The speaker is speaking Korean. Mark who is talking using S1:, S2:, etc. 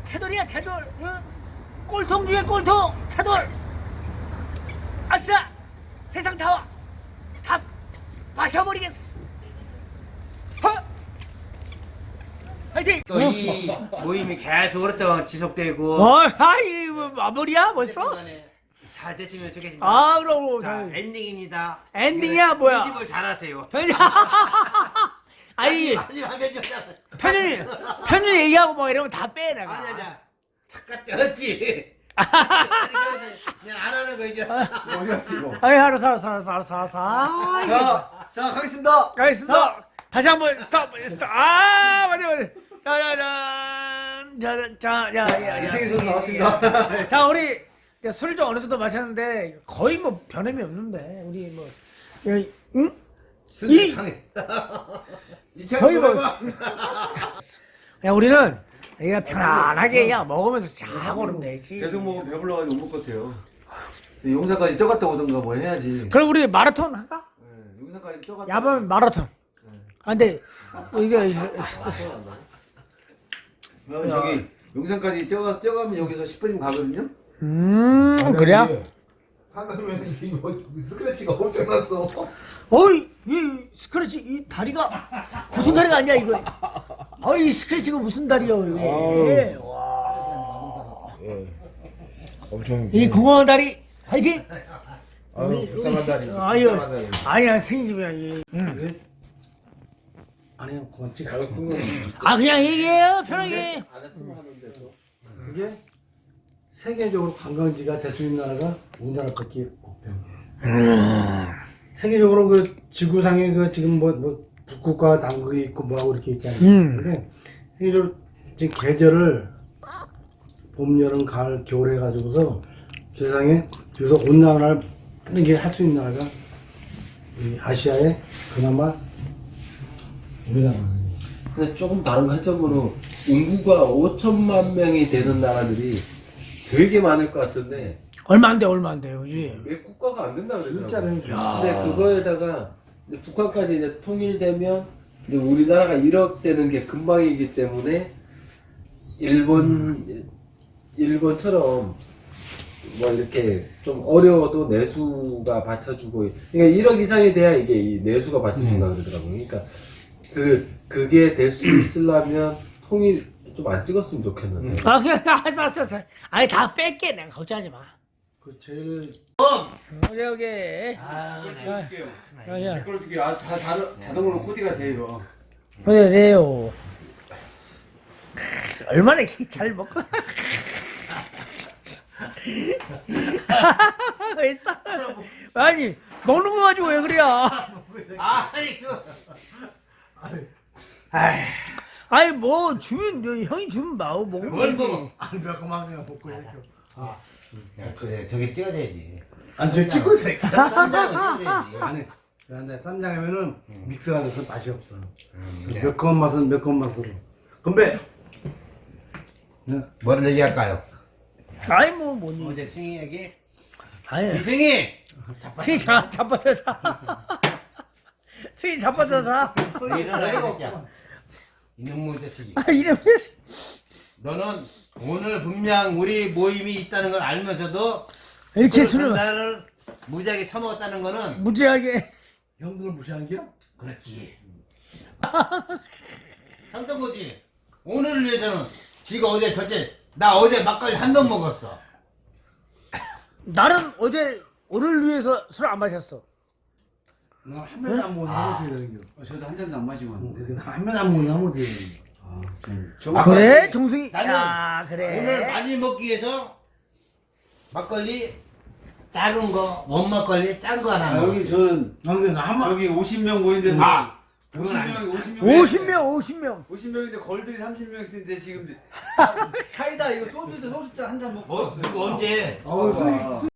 S1: 채돌이야 채돌. 응? 꼴통 중에 꼴통 채돌. 아싸 세상 다 마셔버리겠어. 화이팅!
S2: 또 이 모임이 계속 오랫동안 지속되고
S1: 아이 마무리야 벌써?
S2: 잘 됐으면 좋겠습니다.
S1: 아 그럼
S2: 자, 엔딩입니다.
S1: 엔딩이야, 뭐야?
S2: 편집을 잘하세요.
S1: 아니
S2: 마지막 편집
S1: 편집 얘기하고 뭐 이러면 다 빼 내가.
S2: 아니야. 잠깐 떼었지. 그냥 안 하는 거 이제.
S3: 어디 갔어 이거?
S1: 아이 알았어.
S3: 자 가겠습니다.
S1: 가겠습니다. 다시 한번 스톱. 아 맞아. 자자자자자야
S3: 이승희 선수 나왔습니다.
S1: 자 우리 술을 좀 어느 정도 마셨는데 거의 뭐 변함이 없는데 우리 뭐 응? 이 거의 뭐 그냥 우리는 그냥 편안하게 그냥 먹으면서 자고 그러면 되지.
S3: 계속 먹으면 배불러가지고 못 먹을 것 같아요. 용산까지 쪄갔다 오던가 뭐 해야지.
S1: 그럼 우리 마라톤 할까?
S3: 네, 용산까지 쪄갔다.
S1: 야밤 마라톤. 아 근데 이게
S3: 저기 용산까지 쪄가면 여기서 10분이면 가거든요.
S1: 그래야?
S3: 상담에서 이 스크래치가 엄청났어.
S1: 어이 이 스크래치 이 다리가 보통 다리가 아니야 이거. 어이 스크래치가 무슨 다리야 이게. 와.
S3: 엄청.
S1: 이 공허한 다리 화이팅.
S3: 아유 불쌍한 다리.
S1: 아유 아니야 승진이야 이.
S3: 아니요 그건 찍어.
S1: 아 그냥 얘기해요 편하게.
S4: 이게 세계적으로 관광지가 될 수 있는 나라가 우리나라밖에 없대요. 세계적으로 그 지구상에 그 지금 뭐 북극과 남극이 있고 뭐하고 이렇게 있지 않습니까? 근데 세계적으로 지금 계절을 봄, 여름, 가을, 겨울 해가지고서 세상에 여기서 온난화를 이렇게 할 수 있는 나라가 이 아시아에 그나마 우리나라예요.
S5: 근데 조금 다른 관점으로 인구가 5천만 명이 되는 나라들이 되게 많을 것 같은데
S1: 얼마 안 돼, 그지?
S5: 왜 국가가 안 된다 그러더라고요.
S4: 진짜는
S5: 근데 그거에다가 이제 북한까지 이제 통일되면 이제 우리나라가 1억 되는 게 금방이기 때문에 일본처럼 뭐 이렇게 좀 어려워도 내수가 받쳐주고 그러니까 1억 이상이 돼야 이게 이 내수가 받쳐준다 그러더라고요. 그러니까 그게 될 수 있으려면 통일 좀 안 찍었으면 좋겠는데.
S1: 아 그냥 알았어. 아니 다 뺄게 내가 걱정하지 마.
S4: 그 제일
S1: 여기.
S3: 찍어줄게요.
S1: 야.
S3: 댓글 줄게요. 아, 자동으로 코디가 돼요.
S1: 그래요. 얼마나 잘 먹고. 왜 싸? 아니 먹는 거 가지고 왜 그래?
S2: 아이고.
S1: 아니 뭐 주면 형이 주면 마오
S2: 뭘
S1: 먹으면
S2: 먹어?
S1: 되지.
S4: 아니 몇 그만 그냥 먹고 이렇게.
S2: 야, 그래 저기 찍어줘야지.
S4: 아저 찍고 있어.
S2: 쌈장을 찍어줘야지.
S4: 아니 그런데 쌈장하면은 믹스가 돼서 맛이 없어.
S2: 그래.
S4: 매콤한 맛은 매콤한 맛으로. 건배.
S2: 뭐를 얘기할까요?
S1: 아니 뭐 뭐니?
S2: 어제 승희 얘기?
S1: 아니
S2: 이승희!
S1: 승희 자빠져 자. 승희 자빠져 자.
S2: 일어나 이 새끼야. 이놈의 자식이.
S1: 아 이름이
S2: 너는 오늘 분명 우리 모임이 있다는 걸 알면서도
S1: 이렇게
S2: 술
S1: 술을
S2: 전달을 무지하게 처먹었다는 거는
S1: 무지하게.
S4: 형들을 무시한 게야?
S2: 그렇지. 한던 거지. 오늘을 위해서는 지가 어제 나 어제 막걸리 한 병 먹었어.
S1: 나는 어제 오늘 위해서 술 안 마셨어.
S4: 나한 잔도 안 먹는 거 되는 게.
S3: 저도 한 잔도 안 마시고 왔는데.
S4: 한 잔 안 먹는 거 되는 거.
S1: 아, 그래 정승이.
S2: 나는
S1: 야 그래.
S2: 오늘 많이 먹기 위해서 막걸리 작은 거, 원막걸리 짠 거 하나 먹었어.
S3: 여기 저는
S4: 근데 나한 번.
S3: 여기 50명 모인데
S2: 아,
S1: 50명.
S3: 50명인데 걸들이 30명인데 지금 사이다 이거 소주잔 한 잔 먹고
S2: 뭐,
S3: 왔어요.
S2: 이거 언제?
S4: 어,